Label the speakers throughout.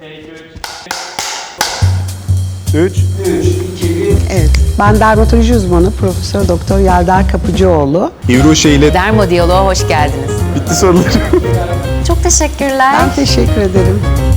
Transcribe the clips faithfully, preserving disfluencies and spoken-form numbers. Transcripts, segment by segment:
Speaker 1: üç.
Speaker 2: Evet, ben dermatoloji uzmanı Profesör Doktor Yelda Kapıcıoğlu.
Speaker 1: İvruşe ile
Speaker 3: Dermadiyaloğa hoş geldiniz.
Speaker 1: bitti sorularım.
Speaker 3: Çok teşekkürler.
Speaker 2: Ben teşekkür ederim.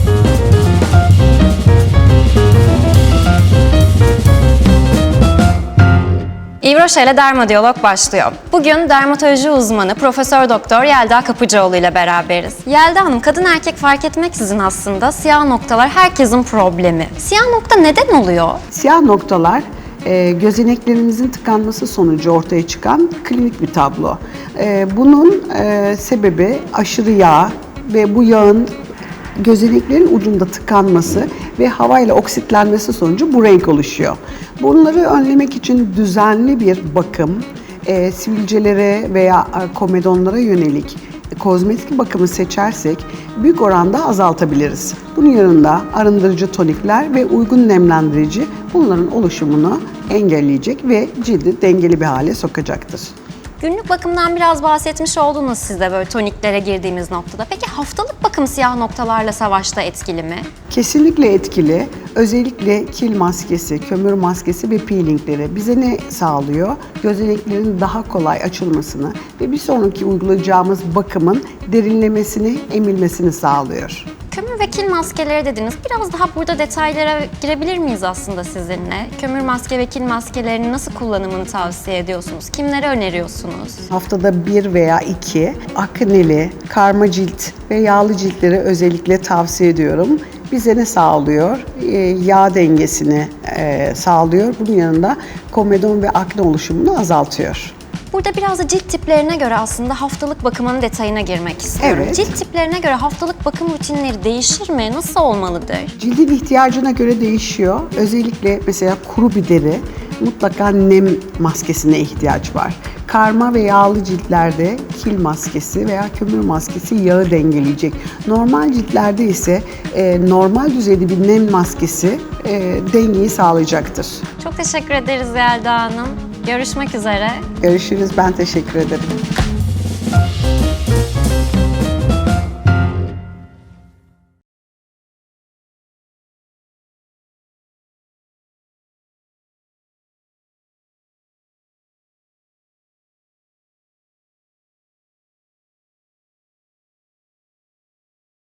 Speaker 3: İvroşe ile Dermadiyalog başlıyor. Bugün dermatoloji uzmanı Profesör Doktor Yelda Kapıcıoğlu ile beraberiz. Yelda Hanım, kadın erkek fark etmeksizin aslında siyah noktalar herkesin problemi. Siyah nokta neden oluyor?
Speaker 2: Siyah noktalar e, gözeneklerimizin tıkanması sonucu ortaya çıkan klinik bir tablo. E, bunun e, sebebi aşırı yağ ve bu yağın gözeneklerin ucunda tıkanması ve havayla oksitlenmesi sonucu bu renk oluşuyor. Bunları önlemek için düzenli bir bakım, e, sivilcelere veya e, komedonlara yönelik kozmetik bakımı seçersek büyük oranda azaltabiliriz. Bunun yanında arındırıcı tonikler ve uygun nemlendirici bunların oluşumunu engelleyecek ve cildi dengeli bir hale sokacaktır.
Speaker 3: Günlük bakımdan biraz bahsetmiş oldunuz siz de böyle toniklere girdiğimiz noktada. Peki haftalık bakım siyah noktalarla savaşta etkili mi?
Speaker 2: Kesinlikle etkili. Özellikle kil maskesi, kömür maskesi ve peelingleri bize ne sağlıyor? Gözeneklerin daha kolay açılmasını ve bir sonraki uygulayacağımız bakımın derinlemesini, emilmesini sağlıyor.
Speaker 3: Kömür ve kil maskeleri dediniz. Biraz daha burada detaylara girebilir miyiz aslında sizinle? Kömür maske ve kil maskelerinin nasıl kullanımını tavsiye ediyorsunuz? Kimlere öneriyorsunuz?
Speaker 2: Haftada bir veya iki akneli, karma cilt ve yağlı ciltlere özellikle tavsiye ediyorum. Bize ne sağlıyor? Ee, yağ dengesini e, sağlıyor. Bunun yanında komedon ve akne oluşumunu azaltıyor.
Speaker 3: Burada biraz da cilt tiplerine göre aslında haftalık bakımının detayına girmek istiyorum.
Speaker 2: Evet.
Speaker 3: Cilt tiplerine göre haftalık bakım rutinleri değişir mi? Nasıl olmalıdır?
Speaker 2: Cildin ihtiyacına göre değişiyor. Özellikle mesela kuru bir deri mutlaka nem maskesine ihtiyaç var. Karma ve yağlı ciltlerde kil maskesi veya kömür maskesi yağı dengeleyecek. Normal ciltlerde ise e, normal düzeyde bir nem maskesi e, dengeyi sağlayacaktır.
Speaker 3: Çok teşekkür ederiz Yelda Hanım. Görüşmek üzere.
Speaker 2: Görüşürüz. Ben teşekkür ederim.